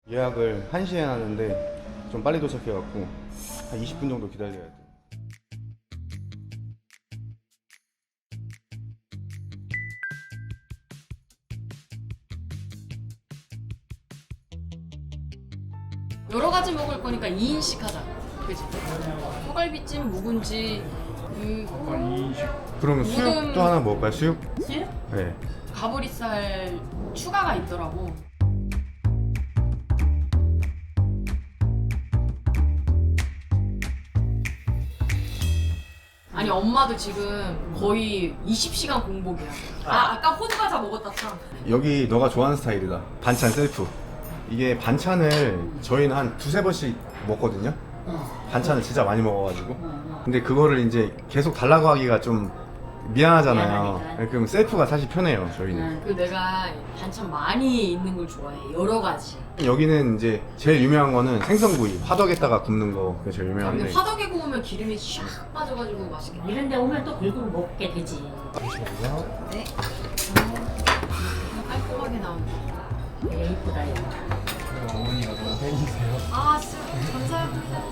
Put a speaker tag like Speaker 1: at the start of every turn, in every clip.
Speaker 1: 예약을 1시에 하는데 좀 빨리 도착해갖고 한 20분 정도 기다려야 돼.
Speaker 2: 여러 가지 먹을 거니까 2인씩 하자. 그치? 소갈비찜, 묵은지,
Speaker 1: 그러면 수육도 하나 먹을까요? 수육?
Speaker 2: 수육?
Speaker 1: 네.
Speaker 2: 가브리살 추가가 있더라고. 아니 엄마도 지금 거의 20시간 공복이야. 아까 호두과자 먹었다 참.
Speaker 1: 여기 너가 좋아하는 스타일이다. 반찬 셀프. 이게 반찬을 저희는 한 두세 번씩 먹거든요. 반찬을 진짜 많이 먹어가지고. 근데 그거를 이제 계속 달라고 하기가 좀 미안하잖아요.
Speaker 3: 미안하니까.
Speaker 1: 그럼 셀프가 사실 편해요, 저희는.
Speaker 2: 그 내가 반찬 많이 있는 걸 좋아해. 여러 가지.
Speaker 1: 여기는 이제 제일 유명한 거는 생선구이, 화덕에다가 굽는 거 그게 제일
Speaker 2: 근데
Speaker 1: 유명한데.
Speaker 2: 화덕에 구우면 기름이 샥 빠져가지고 맛있겠다.
Speaker 3: 이런 데 오면 또 긁고 먹게 되지.
Speaker 2: 네. 깔끔하게 나온다.
Speaker 3: 되게 이쁘다, 이거.
Speaker 1: 어머니가 너무 팬이세요.
Speaker 2: 아, 진짜 감사합니다.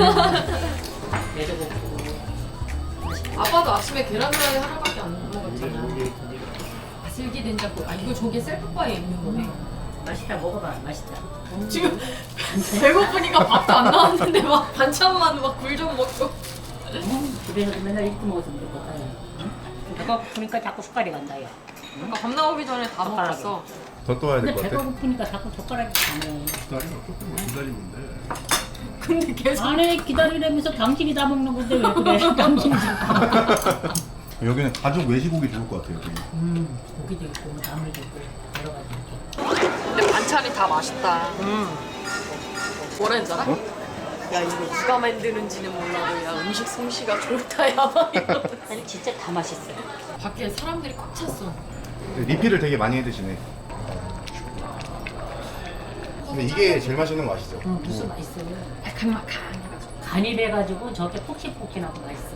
Speaker 3: 매도 먹고.
Speaker 2: 아빠도 아침에 계란후라이 하나밖에 안 먹었잖아. 슬기 된장국. 아, 이거 저기 셀프바에 있는 거네.
Speaker 3: 맛있다, 먹어봐, 맛있다.
Speaker 2: 지금 배고프니까 밥도 안 나왔는데 막 반찬만 막 굴 좀 먹고.
Speaker 3: 집에서도 맨날 이렇게 먹었으면 좋겠다. 배고프니까 자꾸 숟갈이 간다, 야.
Speaker 2: 아까 밥 나오기 전에 다 먹었어.
Speaker 1: 더 떠야 될
Speaker 3: 근데
Speaker 1: 것 같아.
Speaker 3: 배고프니까 자꾸 젓가락이 가네.
Speaker 2: 근데 계속
Speaker 3: 안에 기다리려면서 당신이 다 먹는 건데 왜 그래? 당신이 지금 다 먹어.
Speaker 1: 여기는 가족 외식오기 좋을 것 같아요. 여기.
Speaker 3: 고기도 있고, 나물도 있고, 여러 가지 이렇게.
Speaker 2: 근데 반찬이 다 맛있다. 뭐라 했잖아?
Speaker 1: 어?
Speaker 2: 야 이거 누가 만드는지는 몰라도 야 음식 솜씨가 좋다 야 막 이러면서.
Speaker 3: 아니, 진짜 다 맛있어요.
Speaker 2: 밖에 사람들이 꽉 찼어.
Speaker 1: 리필을 되게 많이 해 드시네. 근데 이게 제일 맛있는 거 아시죠?
Speaker 3: 무슨 맛있어요.
Speaker 2: 칼칼해가지고.
Speaker 3: 간이 돼가지고 저게 폭신폭신하고 맛있어요.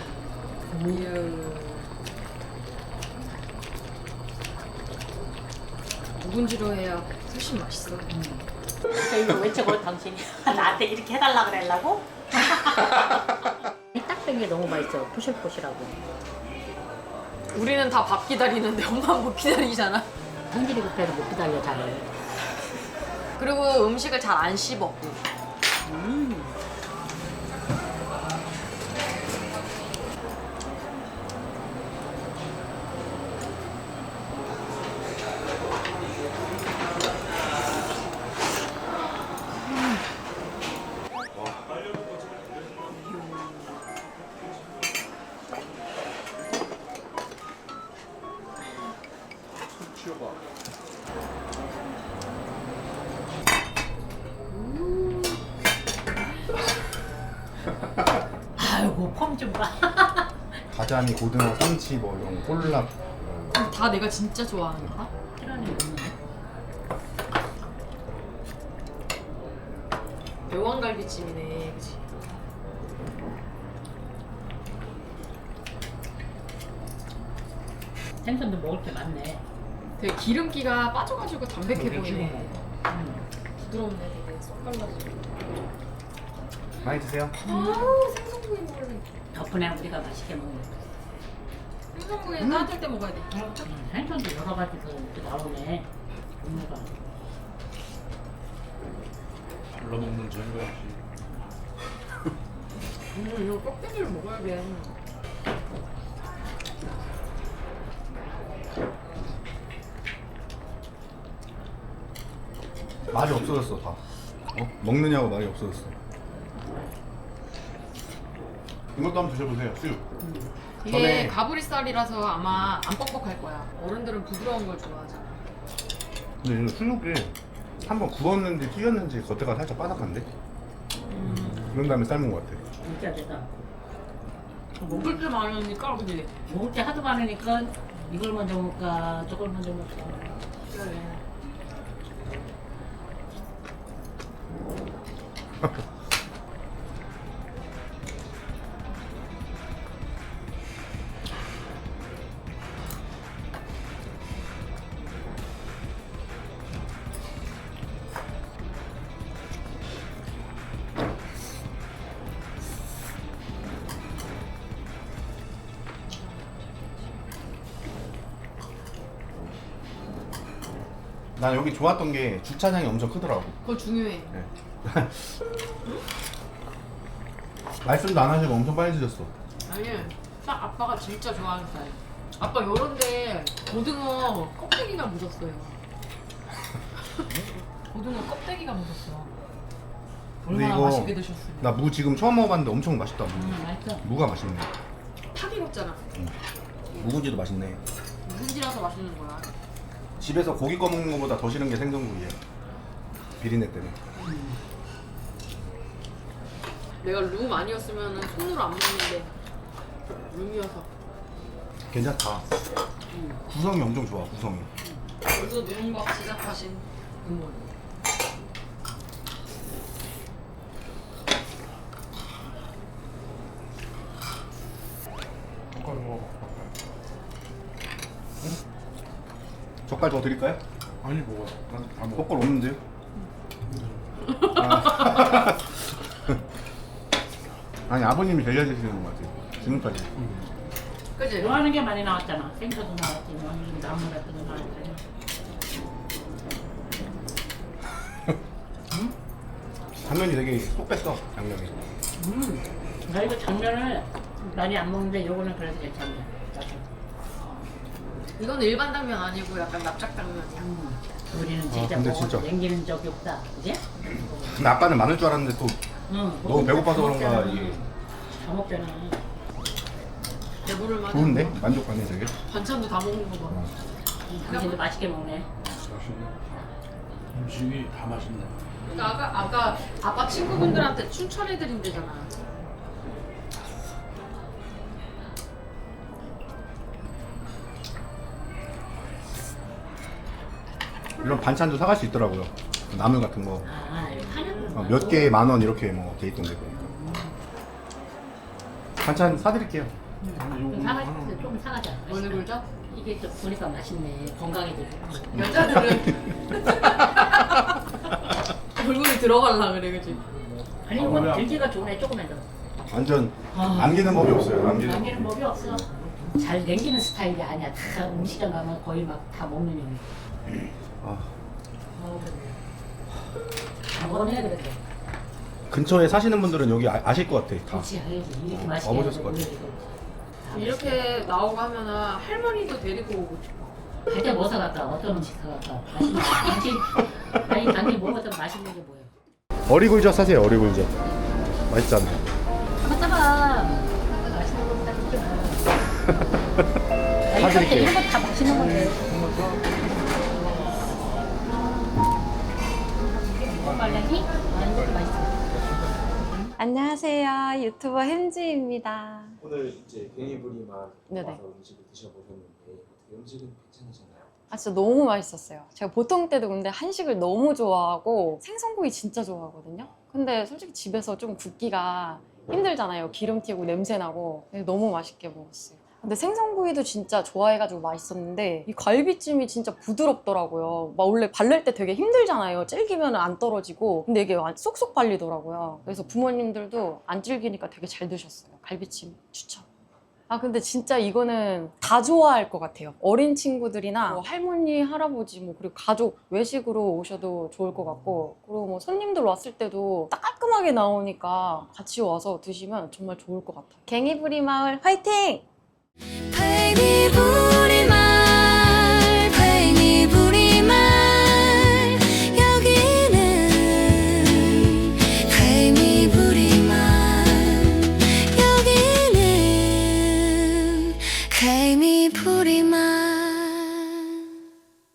Speaker 2: 묵은지로 해야 훨씬 맛있어.
Speaker 3: 진짜 이거 왜 저거 당신이 나한테 이렇게 해달라 그랬라고? 딱된 게 너무 맛있어. 포실포실하고.
Speaker 2: 우리는 다 밥 기다리는데 엄마는 못 기다리잖아.
Speaker 3: 성질이 급해서 못 기다려 잘.
Speaker 2: 그리고 음식을 잘 안 씹어.
Speaker 3: 아이고 폼 좀 봐.
Speaker 1: 가자미, 고등어, 삼치, 뭐 이런 거, 콜라.
Speaker 2: 다 내가 진짜 좋아하는 거다.
Speaker 3: 그러네.
Speaker 2: 매왕갈비찜이네, 그치?
Speaker 3: 생선도 먹을 게 많네.
Speaker 2: 되게 기름기가 빠져가지고 담백해 보이네.
Speaker 3: 음.
Speaker 2: 부드럽네, 되게 쏙 발라지고.
Speaker 1: 많이 드세요.
Speaker 2: 아우 생선구이 먹을래.
Speaker 3: 덕분에 우리가 맛있게 먹네.
Speaker 2: 생선구이는 따뜻할 때 먹어야 돼.
Speaker 3: 생선도 여러 가지가 이렇게 나오네. 종류가.
Speaker 4: 불러먹는 저희가 역시
Speaker 2: 이거 껍데기를 먹어야 돼.
Speaker 1: 말이 없어졌어 다. 먹느냐고 말이 없어졌어. 이것도 한번 드셔보세요. 수육.
Speaker 2: 이게
Speaker 1: 전에-
Speaker 2: 가브리살이라서 아마 안 뻑뻑할 거야. 어른들은 부드러운 걸 좋아하잖아.
Speaker 1: 근데 이거 수육이 한번 구웠는지 튀겼는지 겉에가 살짝 바삭한데? 그런 다음에 삶은 것 같아.
Speaker 3: 진짜 되다.
Speaker 2: 먹을 게 많으니까 그지?
Speaker 3: 먹을 게 하도 많으니까 이걸 먼저 먹을까 저걸 먼저 먹을까.
Speaker 2: 그래.
Speaker 1: 난 여기 좋았던 게 주차장이 엄청 크더라고.
Speaker 2: 그거 중요해.
Speaker 1: 네. 말씀도 안 하시고 엄청 빨리 드셨어.
Speaker 2: 아니, 딱 아빠가 진짜 좋아하는 스타일. 아빠 요런데 고등어 껍데기가 묻었어요. 고등어 껍데기가 묻었어.
Speaker 1: 근데
Speaker 2: 얼마나
Speaker 1: 이거
Speaker 2: 맛있게 드셨어요.
Speaker 1: 나 무 지금 처음 먹어봤는데 엄청 맛있다.
Speaker 3: 맛있어.
Speaker 1: 무가 맛있네.
Speaker 2: 팍 익었잖아.
Speaker 1: 묵은지도 맛있네.
Speaker 2: 묵은지라서 맛있는 거야.
Speaker 1: 집에서 고기 꺼 먹는 것보다 더 싫은 게 생선구이야. 비린내 때문에.
Speaker 2: 내가 룸 아니었으면 손으로 안 먹는데 룸이어서.
Speaker 1: 괜찮다. 구성이 엄청 좋아. 구성이.
Speaker 2: 벌써 누룽밥 시작하신 국물.
Speaker 4: 젓갈 먹어.
Speaker 1: 젓갈 더 드릴까요?
Speaker 4: 아니 먹어. 난다 먹어.
Speaker 1: 젓갈 없는데요? 아. 아니 아버님이 데려주시는 것 같아요. 지금까지.
Speaker 2: 그치?
Speaker 3: 좋아하는 게 많이 나왔잖아. 생선도 나왔지, 뭐 나물 같은 거 나왔잖아.
Speaker 1: 당면이 되게 쏙 뺐어. 당면이.
Speaker 3: 나 이거 당면을 많이 안 먹는데 요거는 그래도 괜찮네.
Speaker 2: 이건 일반 당면 아니고 약간 납작 당면이야.
Speaker 3: 우리는
Speaker 1: 아,
Speaker 3: 진짜
Speaker 1: 근데
Speaker 3: 뭐
Speaker 1: 진짜.
Speaker 3: 남기는 적이 없다, 그지?
Speaker 1: 근데 아빠는 많을 줄 알았는데 또
Speaker 3: 응.
Speaker 1: 너무 배고파서 그런가 이게
Speaker 3: 다 먹잖아.
Speaker 2: 배부를 만해.
Speaker 1: 좋은데? 만족하네 되게.
Speaker 2: 반찬도 다 먹는 거 봐.
Speaker 3: 당신도 맛있게 먹네.
Speaker 4: 맛있네. 음식이 다 맛있네.
Speaker 2: 그러니까 아까 아빠 친구분들한테 추천해드린대잖아.
Speaker 1: 이런 반찬도 사갈 수 있더라고요. 나물 같은 거.
Speaker 3: 아, 이거 파는
Speaker 1: 몇 개에 10,000원 이렇게 뭐 돼 있던데 보니까. 반찬 사드릴게요.
Speaker 4: 아니 요거
Speaker 3: 사가자.
Speaker 4: 하나
Speaker 3: 좀 사가자.
Speaker 2: 어느 굴죠?
Speaker 3: 이게 또 보니까 맛있네. 건강에도 좋고.
Speaker 2: 여자들은 얼굴이 들어갈라 그래, 그치?
Speaker 3: 아니 이거 들기가 좋네. 조금만 더.
Speaker 1: 완전
Speaker 3: 아.
Speaker 1: 남기는 법이 없어요. 남기는 법.
Speaker 3: 남기는 법이 없어. 잘 남기는 스타일이 아니야. 다 음식점 가면 거의 막 다 먹는 형.
Speaker 1: 아,
Speaker 3: 다 먹어내야 되겠다.
Speaker 1: 근처에 사시는 분들은 여기 아실 것 같아. 다.
Speaker 3: 그렇지, 알지. 이렇게 맛있게.
Speaker 1: 와보셨을 것 같아.
Speaker 2: 이렇게 나오고 하면은 할머니도 데리고 오고 싶어.
Speaker 3: 갈때 뭐 사갈까? 어떤 음식 사갈까? 맛있는 거. 당신, 당신 먹었던 맛있는 게 뭐예요?
Speaker 1: 어리굴젓 사세요. 어리굴젓. 맛있잖아요.
Speaker 3: 한번 따봐. 맛있는 거 사줄게.
Speaker 1: 사드릴게요.
Speaker 3: 이런 거 다 맛있는 건데. 말랭이? 아니, 이것도 맛있어.
Speaker 5: 안녕하세요. 유튜버 햄지입니다.
Speaker 6: 오늘 이제 갱이부리만
Speaker 5: 네네.
Speaker 6: 와서 음식을 드셔보셨는데 어떻게 음식은 괜찮으셨나요?
Speaker 5: 아 진짜 너무 맛있었어요. 제가 보통 때도 근데 한식을 너무 좋아하고 생선구이 진짜 좋아하거든요. 근데 솔직히 집에서 좀 굽기가 힘들잖아요. 기름 튀고 냄새 나고. 너무 맛있게 먹었어요. 근데 생선구이도 진짜 좋아해가지고 맛있었는데 이 갈비찜이 진짜 부드럽더라고요. 막 원래 발릴 때 되게 힘들잖아요. 질기면 안 떨어지고. 근데 이게 쏙쏙 발리더라고요. 그래서 부모님들도 안 질기니까 되게 잘 드셨어요. 갈비찜 추천. 아 근데 진짜 이거는 다 좋아할 것 같아요. 어린 친구들이나 뭐 할머니, 할아버지 뭐 그리고 가족 외식으로 오셔도 좋을 것 같고 그리고 뭐 손님들 왔을 때도 딱 깔끔하게 나오니까 같이 와서 드시면 정말 좋을 것 같아요. 갱이부리 마을 화이팅!